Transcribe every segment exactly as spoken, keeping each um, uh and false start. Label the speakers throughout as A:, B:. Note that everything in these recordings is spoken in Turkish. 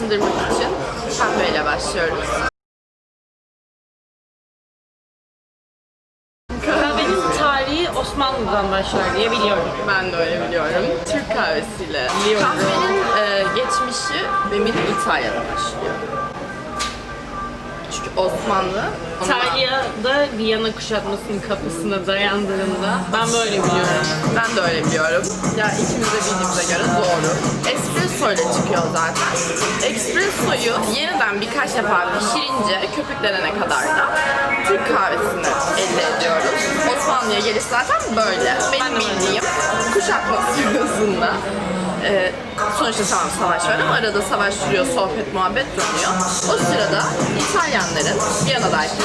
A: ısındırmak için kahveyle başlıyoruz.
B: Kahvenin tarihi Osmanlı'dan başlar diye biliyorum.
A: Ben de öyle biliyorum. Türk kahvesiyle.
B: Biliyorum.
A: Kahvenin e, geçmişi benim İtalya'da başlıyor. Çünkü Osmanlı ondan-
B: İtalya'da Viyana kuşatmasının kapısına dayandığında ben böyle biliyorum.
A: Ben de öyle biliyorum. Ya ikimiz de bildiğimize göre doğru. Espresso ile çıkıyor zaten. Espressoyu yeniden birkaç defa pişirince köpüklenene kadar da Türk kahvesini elde ediyoruz. Osmanlı'ya geliş zaten böyle. Benim
B: Ben de böyle.
A: bildiğim kuşatma sırasında e, sonuçta tamam savaş var ama arada savaş sürüyor, sohbet, muhabbet dönüyor. O sırada İtalyanların Viyana'daki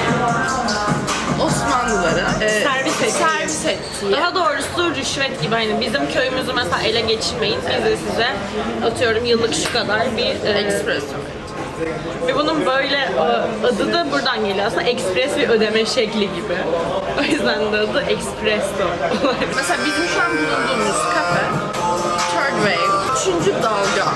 A: Osmanlıları e,
B: Servis ettiği.
A: servis ettiği
B: Daha doğrusu rüşvet gibi, hani bizim köyümüzü mesela ele geçirmeyin. Biz de size atıyorum yıllık şu kadar bir e,
A: espresso.
B: ve bunun böyle e, adı da buradan geliyor. Aslında ekspres bir ödeme şekli gibi. O yüzden de adı espresso.
A: Mesela bizim şu an bulunduğumuz kafe Third Wave, üçüncü dalga.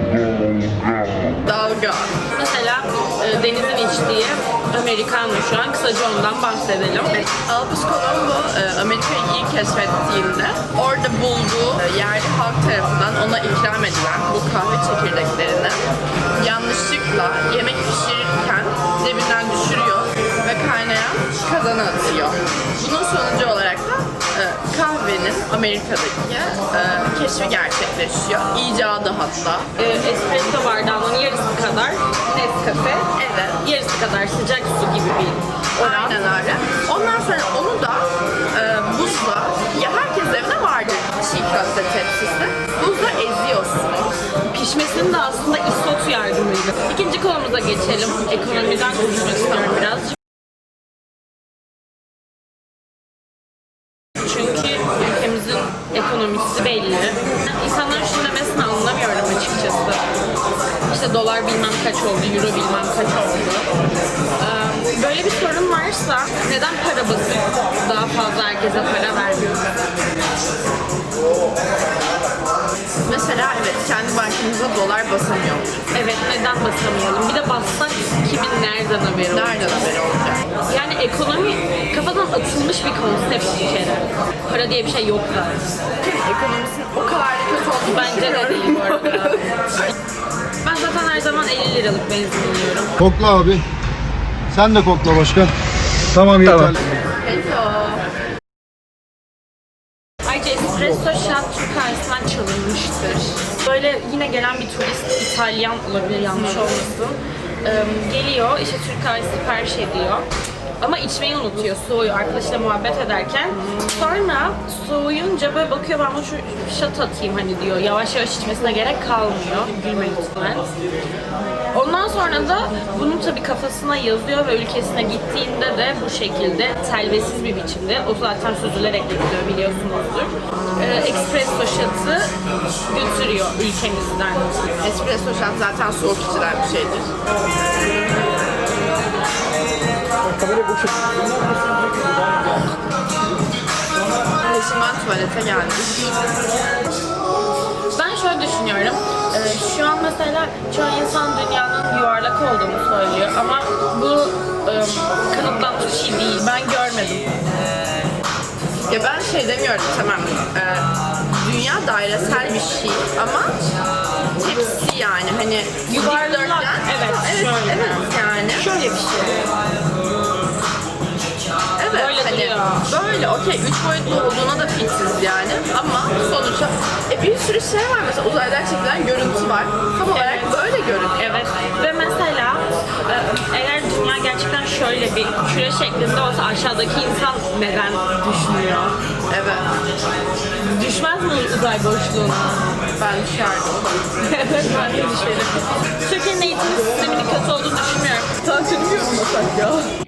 A: Dalga.
B: Mesela e, Deniz'in içtiği Americano şu an, kısaca ondan bahsedelim.
A: Albus Colombo e, Amerika'yı ilk keşfettiğinde orada bulduğu e, yerli halk tarafından ona ikram edilen bu kahve çekirdeklerini yanlışlıkla yemek pişirirken cebinden düşürüyor ve kaynayan kazana atıyor. Bunun sonucu olarak da e, kahvenin Amerika'daki e, keşfi gerçekleşiyor. İcadı hatta.
B: E, espresso bardağının yarısı kadar Nescafe,
A: Evet.
B: yarısı kadar sıcak su gibi bir oran.
A: Aynen öyle. Ondan sonra onu da e, buzla, ya herkes evde vardır çiğ köfte tepsisi. Buzla eziyorsun.
B: Pişmesinin de aslında isot yardımıyla. İkinci konumuza geçelim. Ekonomiden konuşmak istiyorum birazcık. Çünkü ülkemizin ekonomisi belli. İnsanların şunu demesini anlamıyorum açıkçası. İşte dolar bilmem kaç oldu, euro bilmem kaç oldu. Ee, Böyle bir sorun varsa neden para basıp daha fazla herkese para vermiyoruz?
A: Mesela evet kendi bankamıza dolar basamıyormuş.
B: Evet, neden basamayalım? Bir de bassak kimin nereden haberi olur?
A: Nereden haberi olacak?
B: Yani ekonomi kafadan atılmış bir konsept bir kere. Para diye bir şey yok zaten.
A: Ekonomisinin o kadar da kötü olduğunu
B: Bence de
A: düşünüyorum.
B: değil bu arada. Ben zaten her zaman elli liralık benzin alıyorum.
C: Kokla abi. Sen de kokla başkan. Tamam yeter. Tamam.
A: Hello.
B: Ayrıca espresso shot Türk kahvesinden çalınmıştır. Böyle yine gelen bir turist, İtalyan olabilir, yanlış olmasın. Ee, geliyor, işte Türk kahvesi sipariş ediyor. Ama içmeyi unutuyor, soğuyor arkadaşıyla muhabbet ederken. Sonra soğuyunca böyle bakıyor, ben bunu şu shot atayım hani diyor. Yavaş yavaş içmesine gerek kalmıyor. Gülme lütfen. Ondan sonra da bunu tabii kafasına yazıyor ve ülkesine gittiğinde de bu şekilde telvesiz bir biçimde, o zaten süzülerek yapılıyor biliyorsunuzdur, ee, espresso shot'ı götürüyor ülkemizden.
A: Espresso shot zaten soğuk içilen bir şeydir. Şimdi ben tuvalete geldim.
B: Ben şöyle düşünüyorum, ee, şu an mesela çoğu insan dünyanın yuvarlak olduğunu söylüyor ama bu e, kanıtlanmış bir şey değil, ben görmedim.
A: Ya ben şey demiyorum tamam. E, dünya dairesel bir şey ama tepsi yani hani
B: Yuvarlak,
A: dikdörtgen.
B: evet,
A: Evet,
B: şöyle.
A: evet yani.
B: Şöyle bir şey.
A: Evet
B: Böyle
A: hani
B: duruyor.
A: böyle okey üç boyutlu olduğuna da fitsiz yani ama sonuçta e, bir sürü şey var mesela uzaydan çekilen görüntü var. Tam olarak böyle görünüyor.
B: Evet ve mesela e, eğer dünya gerçekten şöyle bir küre şeklinde olsa aşağıdaki insan neden düşmüyor?
A: Evet.
B: Düşmez mi uzay boşluğuna?
A: Ben düşerdim.
B: Evet, ben de düşerim. Türkiye'nin eğitim sisteminin kötü olduğunu düşünmüyorum.
A: Tatilimi yorumlasak ya.